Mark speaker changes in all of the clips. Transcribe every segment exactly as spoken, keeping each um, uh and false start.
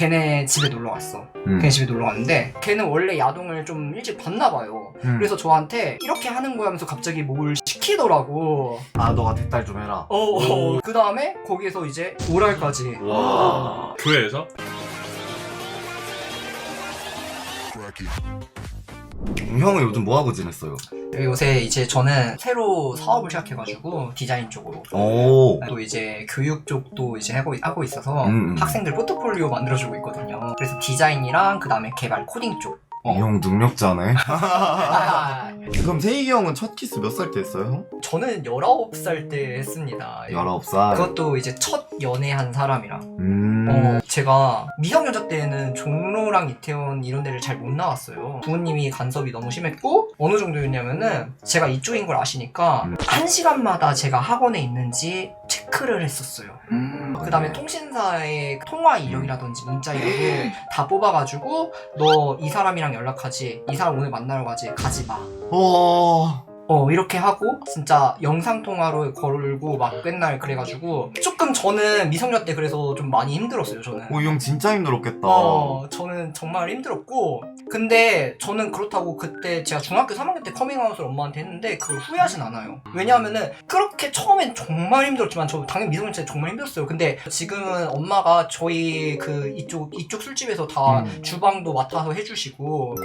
Speaker 1: 걔네 집에 놀러 갔어.
Speaker 2: 음.
Speaker 1: 걔네 집에 놀러 갔는데 걔는 원래 야동을 좀 일찍 봤나 봐요.
Speaker 2: 음.
Speaker 1: 그래서 저한테 이렇게 하는 거야 하면서 갑자기 뭘 시키더라고.
Speaker 2: 아 너가 대딸 좀 해라.
Speaker 1: 어, 어. 그 다음에 거기에서 이제 오랄까지.
Speaker 3: 와. 교회에서?
Speaker 2: 형은 요즘 뭐 하고 지냈어요?
Speaker 1: 요새 이제 저는 새로 사업을 시작해가지고 디자인 쪽으로
Speaker 2: 오.
Speaker 1: 또 이제 교육 쪽도 이제 하고, 하고 있어서
Speaker 2: 음.
Speaker 1: 학생들 포트폴리오 만들어주고 있거든요. 그래서 디자인이랑 그 다음에 개발 코딩 쪽. 어.
Speaker 2: 이 형 능력자네.
Speaker 1: 아,
Speaker 2: 그럼 세익이 형은 첫 키스 몇 살 때 했어요, 형?
Speaker 1: 저는 열아홉 살 때 했습니다.
Speaker 2: 열아홉 살.
Speaker 1: 그것도 이제 첫 연애한 사람이랑.
Speaker 2: 음.
Speaker 1: 어, 제가 미성년자 때는 종로랑 이태원 이런 데를 잘 못 나왔어요. 부모님이 간섭이 너무 심했고 어느 정도였냐면은 제가 이쪽인 걸 아시니까
Speaker 2: 음.
Speaker 1: 한 시간마다 제가 학원에 있는지 체크를 했었어요.
Speaker 2: 음.
Speaker 1: 그 다음에 통신사의 통화 이력이라든지 문자 이력을 다 뽑아가지고 너 이 사람이랑 연락하지, 이 사람 오늘 만나러 가지, 가지 마.
Speaker 2: 어.
Speaker 1: 어 이렇게 하고 진짜 영상통화로 걸고 막 맨날 그래가지고 조금 저는 미성년 때 그래서 좀 많이 힘들었어요. 저는
Speaker 2: 오, 이 형 진짜 힘들었겠다.
Speaker 1: 어 저는 정말 힘들었고, 근데 저는 그렇다고 그때 제가 중학교 삼 학년 때 커밍아웃을 엄마한테 했는데 그걸 후회하진 않아요. 왜냐하면은 그렇게 처음엔 정말 힘들었지만 저 당연히 미성년 때 정말 힘들었어요. 근데 지금은 엄마가 저희 그 이쪽 이쪽 술집에서 다
Speaker 2: 음.
Speaker 1: 주방도 맡아서 해주시고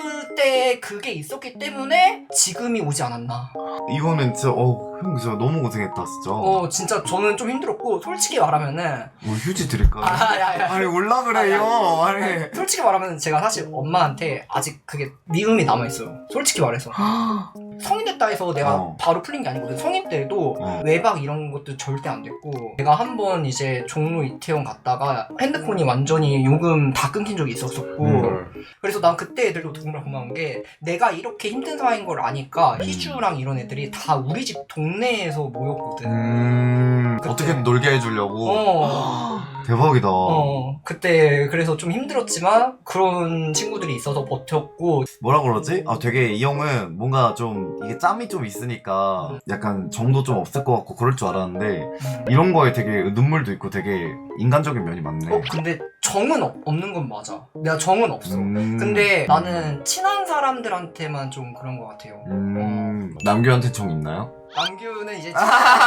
Speaker 1: 그때 그게 있었기 때문에 지금이 오지 않았나.
Speaker 2: 이거는 진짜 어, 형 진짜 너무 고생했다 진짜.
Speaker 1: 어 진짜 저는 좀 힘들었고, 솔직히 말하면은
Speaker 2: 뭐 휴지 드릴까요?
Speaker 1: 아야야
Speaker 2: 아니 올라 그래요. 아니.
Speaker 1: 솔직히 말하면 제가 사실 엄마한테 아직 그게 미움이 남아있어요. 솔직히 말해서 성인 됐다 해서 내가
Speaker 2: 어.
Speaker 1: 바로 풀린 게 아니거든. 성인 때도
Speaker 2: 어.
Speaker 1: 외박 이런 것도 절대 안 됐고, 내가 한 번 이제 종로 이태원 갔다가 핸드폰이 완전히 요금 다 끊긴 적이 있었었고
Speaker 2: 음.
Speaker 1: 그래서 난 그때 애들도 정말 고마운 게 내가 이렇게 힘든 사이인 걸 아니까
Speaker 2: 음.
Speaker 1: 희주랑 이런 애들이 다 우리 집 동네에서 모였거든.
Speaker 2: 음.
Speaker 1: 그때.
Speaker 2: 어떻게든 놀게 해주려고.
Speaker 1: 어.
Speaker 2: 대박이다.
Speaker 1: 어, 그때 그래서 좀 힘들었지만 그런 친구들이 있어서 버텼고.
Speaker 2: 뭐라 그러지? 아 되게 이 형은 뭔가 좀 이게 짬이 좀 있으니까 약간 정도 좀 없을 것 같고 그럴 줄 알았는데
Speaker 1: 음.
Speaker 2: 이런 거에 되게 눈물도 있고 되게 인간적인 면이 많네.
Speaker 1: 어, 근데 정은 없, 없는 건 맞아. 내가 정은 없어.
Speaker 2: 음.
Speaker 1: 근데 나는 친한 사람들한테만 좀 그런 것 같아요.
Speaker 2: 음. 남규한테 정 있나요?
Speaker 1: 남규는 이제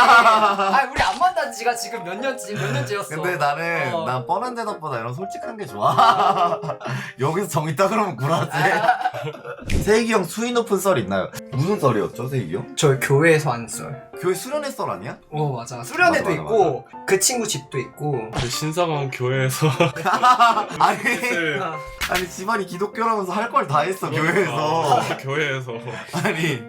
Speaker 1: 아 우리 안 만난 지가 지금 몇 년째 몇 년째였어.
Speaker 2: 근데 나는
Speaker 1: 어.
Speaker 2: 난 뻔한 대답보다 이런 솔직한 게 좋아. 여기서 정 있다 그러면 구라지. 세익이 형 수위 높은 썰 있나요? 무슨 썰이었죠, 세익이 형?
Speaker 1: 저 교회에서 한 썰.
Speaker 2: 교회 수련회 썰 아니야?
Speaker 1: 어 맞아. 수련회도
Speaker 2: 맞아, 맞아,
Speaker 1: 있고 그 친구 집도 있고.
Speaker 3: 그 신사방 교회에서
Speaker 2: 아니
Speaker 3: 네.
Speaker 2: 아니 집안이 기독교라면서 할 걸 다 했어 교회에서.
Speaker 3: 아, 교회에서
Speaker 2: 아니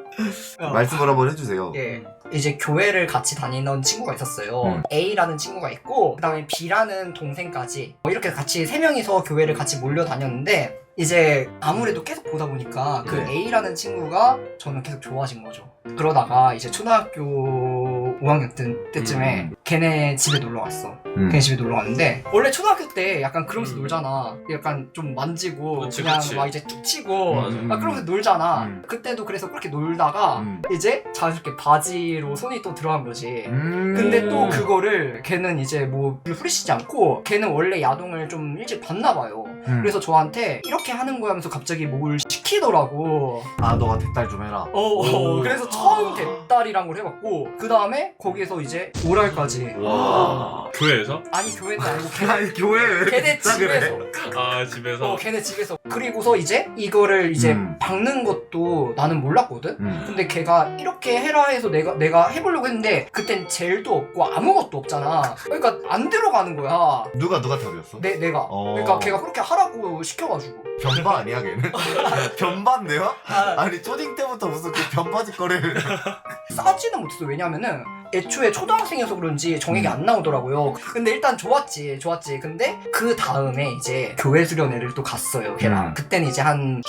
Speaker 1: 어.
Speaker 2: 말씀을 한번 해주세요.
Speaker 1: 예. 이제 교회를 같이 다니던 친구가 있었어요.
Speaker 2: 음.
Speaker 1: A라는 친구가 있고 그 다음에 B라는 동생까지 뭐 이렇게 같이 세 명이서 교회를 같이 몰려 다녔는데, 이제 아무래도 계속 보다 보니까 그
Speaker 2: 네.
Speaker 1: A라는 친구가 저는 계속 좋아진 거죠. 그러다가 이제 초등학교 오 학년 때, 때쯤에
Speaker 2: 음.
Speaker 1: 걔네 집에 놀러 갔어.
Speaker 2: 음.
Speaker 1: 걔네 집에 놀러 갔는데 원래 초등학교 때 약간 그러면서
Speaker 3: 음.
Speaker 1: 놀잖아. 약간 좀 만지고
Speaker 3: 그치,
Speaker 1: 그냥
Speaker 3: 그치.
Speaker 1: 막 이제 툭 치고
Speaker 2: 음.
Speaker 1: 막 그러면서 놀잖아.
Speaker 2: 음.
Speaker 1: 그때도 그래서 그렇게 놀다가
Speaker 2: 음.
Speaker 1: 이제 자연스럽게 바지로 손이 또 들어간 거지.
Speaker 2: 음.
Speaker 1: 근데 또 그거를 걔는 이제 뭐 후리시지 않고 걔는 원래 야동을 좀 일찍 봤나 봐요.
Speaker 2: 음.
Speaker 1: 그래서 저한테 이렇게 하는 거야 하면서 갑자기 뭘 시키더라고.
Speaker 2: 아 너가 대딸 좀 해라.
Speaker 1: 어, 어.
Speaker 3: 오.
Speaker 1: 그래서 처음 대딸이란 걸 해봤고 그 다음에 거기에서 이제 오랄까지.
Speaker 3: 와. 교회에서?
Speaker 1: 아니 교회는 아니고 걔네,
Speaker 2: 아니 교회 왜 이렇게
Speaker 1: 걔네
Speaker 2: 진짜
Speaker 1: 집에서.
Speaker 2: 그래?
Speaker 3: 아 집에서?
Speaker 1: 어 걔네 집에서. 그리고서 이제 이거를 이제
Speaker 2: 음.
Speaker 1: 박는 것도 나는 몰랐거든.
Speaker 2: 음.
Speaker 1: 근데 걔가 이렇게 해라 해서 내가 내가 해보려고 했는데 그땐 젤도 없고 아무것도 없잖아. 그러니까 안 들어가는 거야.
Speaker 2: 누가 누가 답이었어?
Speaker 1: 내 내가.
Speaker 2: 어.
Speaker 1: 그러니까 걔가 그렇게 하라고 시켜가지고.
Speaker 2: 변바 아니야 걔는? 변바인데요? 아니 초딩 때부터 무슨 그 변바지 거리를.
Speaker 1: 싸지는 못했어. 왜냐면은 애초에 초등학생이어서 그런지 정액이
Speaker 2: 음.
Speaker 1: 안 나오더라고요. 근데 일단 좋았지 좋았지. 근데 그 다음에 이제 교회 수련회를 또 갔어요 걔랑.
Speaker 2: 음.
Speaker 1: 그때는 이제 한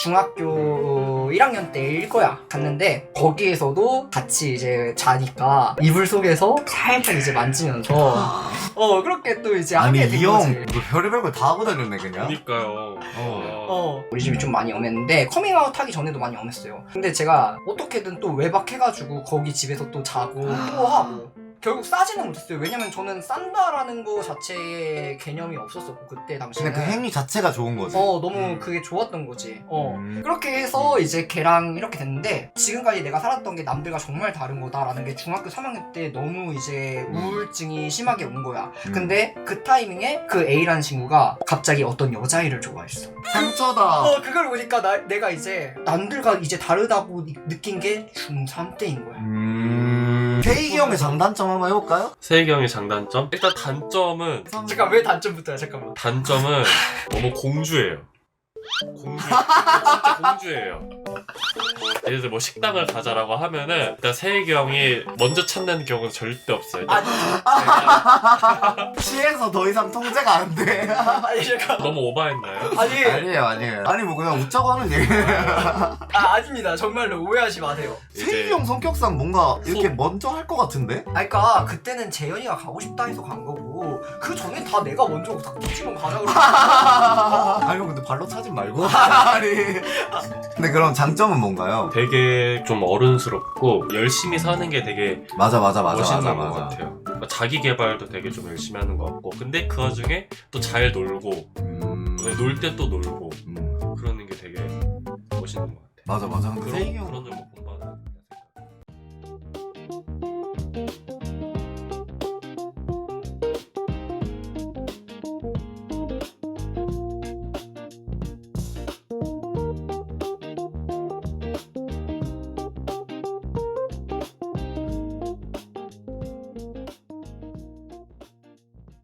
Speaker 1: 중학교 일 학년 때일 거야. 갔는데 거기에서도 같이 이제 자니까 이불 속에서 살짝 이제 만지면서 어 그렇게 또 이제
Speaker 2: 아니
Speaker 1: 하게 된
Speaker 2: 이
Speaker 1: 거지.
Speaker 2: 형 별의별 걸 다 하고 다녔네 그냥.
Speaker 3: 그니까요.
Speaker 2: 어.
Speaker 1: 어 우리 집이 좀 많이 엄했는데 커밍아웃 하기 전에도 많이 엄했어요. 근데 제가 어떻게든 또 외박해가지고 거기 집에서 또 자고 또 하고 결국 싸지는 못했어요. 왜냐면 저는 싼다라는 거 자체의 개념이 없었었고 그때 당시에는.
Speaker 2: 그냥 그 행위 자체가 좋은 거지.
Speaker 1: 어 너무
Speaker 3: 음.
Speaker 1: 그게 좋았던 거지. 어
Speaker 2: 음.
Speaker 1: 그렇게 해서 이제 걔랑 이렇게 됐는데 지금까지 내가 살았던 게 남들과 정말 다른 거다라는 게 중학교 삼 학년 때 너무 이제
Speaker 2: 음.
Speaker 1: 우울증이 심하게 온 거야.
Speaker 2: 음.
Speaker 1: 근데 그 타이밍에 그 A라는 친구가 갑자기 어떤 여자애를 좋아했어.
Speaker 2: 상처다.
Speaker 1: 어 그걸 보니까 나, 내가 이제 남들과 이제 다르다고 느- 느낀 게 중삼 때인 거야.
Speaker 2: 음. 세익이 형의 장단점 한번 해볼까요?
Speaker 3: 세익이 형의 장단점? 일단 단점은
Speaker 1: 잠깐 왜 단점부터야 잠깐만.
Speaker 3: 단점은 너무 공주예요. 공주 진짜 공주예요. 예를 들어 뭐 식당을 가자라고 하면은 일단 세익이 형이 먼저 찾는 경우는 절대 없어요. 일단
Speaker 1: 아니
Speaker 2: 시에서 더 이상 통제가 안 돼.
Speaker 1: 아니 잠깐
Speaker 3: 너무 오바했나요?
Speaker 1: 아니
Speaker 2: 아니에요, 아니에요. 아니 뭐 그냥 웃자고 하는 얘기.
Speaker 1: 아 아닙니다 정말로 오해하지 마세요.
Speaker 2: 세익이 형 성격상 뭔가 이렇게 먼저 할 것 같은데?
Speaker 1: 아니 그니까 그때는 재현이가 가고 싶다 해서 간 거고 그 전에 다 내가 먼저 다 도치면 가자 그러고
Speaker 2: 아니 형 근데 발로 차진 말고. 아니. 근데 그럼 장점은 뭔가요?
Speaker 3: 되게 좀 어른스럽고 열심히 사는 게 되게
Speaker 2: 맞아 맞아 맞아
Speaker 3: 멋있는
Speaker 2: 맞아
Speaker 3: 것
Speaker 2: 맞아.
Speaker 3: 같아요. 그러니까 자기 개발도 되게 좀 열심히 하는 것 같고 근데 그 와중에 또 잘 놀고
Speaker 2: 음.
Speaker 3: 놀 때 또 놀고
Speaker 2: 음.
Speaker 3: 그러는 게 되게 멋있는 것 같아요.
Speaker 2: 맞아 맞아. 근데
Speaker 3: 그런-
Speaker 2: 세익이 형
Speaker 3: 그런